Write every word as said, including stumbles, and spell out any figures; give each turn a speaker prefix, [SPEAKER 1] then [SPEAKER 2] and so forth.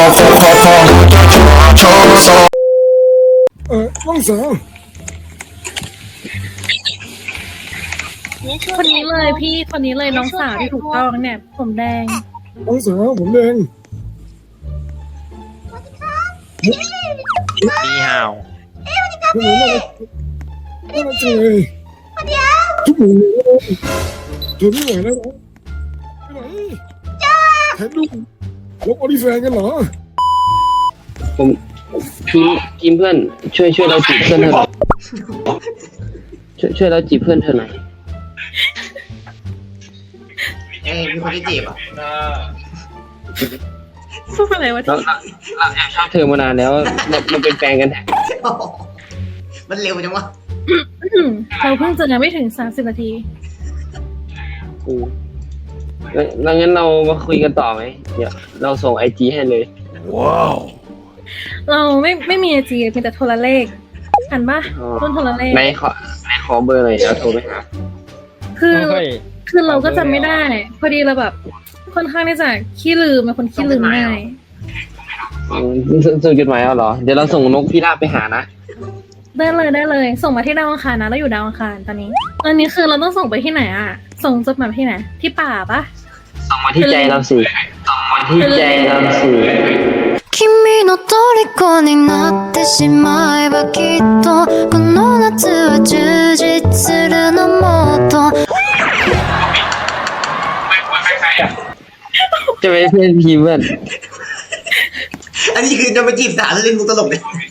[SPEAKER 1] เออน้องสาว
[SPEAKER 2] คนนี้เลยพี่คนนี้เลยน้องสาวที่ถูกต้องเนี่ยผมแดง
[SPEAKER 1] น้องสาวผมเอง
[SPEAKER 3] มีห่าว
[SPEAKER 1] คุณหนูน่ารักน่ารักจังเลยทุกหนูเลยทนไม่ไหวแล้วนะไปไหนถ่ายรูปลบออดิแฟนกันเหรอ
[SPEAKER 4] ผมพี่กิมเพื่อนช่วยช่วยเราจีบเพื่อนเธอหน่อยช่วยช่วยเราจีบเพื่อนเธอหน่อย
[SPEAKER 5] เอ้ยมีคนที่จีบอ่ะ
[SPEAKER 2] พูดอะไรวะ
[SPEAKER 4] เรา
[SPEAKER 2] ที่
[SPEAKER 4] เราเราแอบชอบเธอมานานแล้วเราเราเป็นแฟนกันแท้
[SPEAKER 5] มันเร็วจังวะ
[SPEAKER 2] อืมเราเพิ่งเจอกันไม่ถึงสามสิบนาที
[SPEAKER 4] อืมแล้วแล้วงั้นเรามาคุยกันต่อไหมเดี๋ยวเราส่งไอจีให้เลย
[SPEAKER 2] เราไม่ไม่มีไอจีมีแต่โทรเลขอ่านปะต้นโทรเลข
[SPEAKER 4] ในขอในขอเบอร์หน่อยเดี๋ยวโทรไปหา
[SPEAKER 2] คือคือเราก็จำไม่ได้ พอดีเราแบบค่อนข้างที่จะขี้ลืมเป็นคนขี้ลืมง่าย
[SPEAKER 4] อืมส่งส่งจดหมายเอาเหรอเดี๋ยวเราส่งนกพิราบไปหานะ
[SPEAKER 2] ได้เลยได้เลย ส่งมาที่ดาวอังคารนะเราอยู่ดาวอังคารตอนนี้ตอนนี้คือเราต้องส่งไปที่ไหนอ่ะ ส่งจดหมายไปที่ไหนที่ป่าปะ
[SPEAKER 4] ส่งมาที่ใจเราสิส่งมาที่ใจเราสิ
[SPEAKER 6] 君の虜になってしまえばきっとこの夏は充実するのもっと
[SPEAKER 4] จะไปเพื่อนพีเพื่อน
[SPEAKER 5] อันนี้คือจะไปจีบสาวแล้วเล่นมุกตลกเนี่ย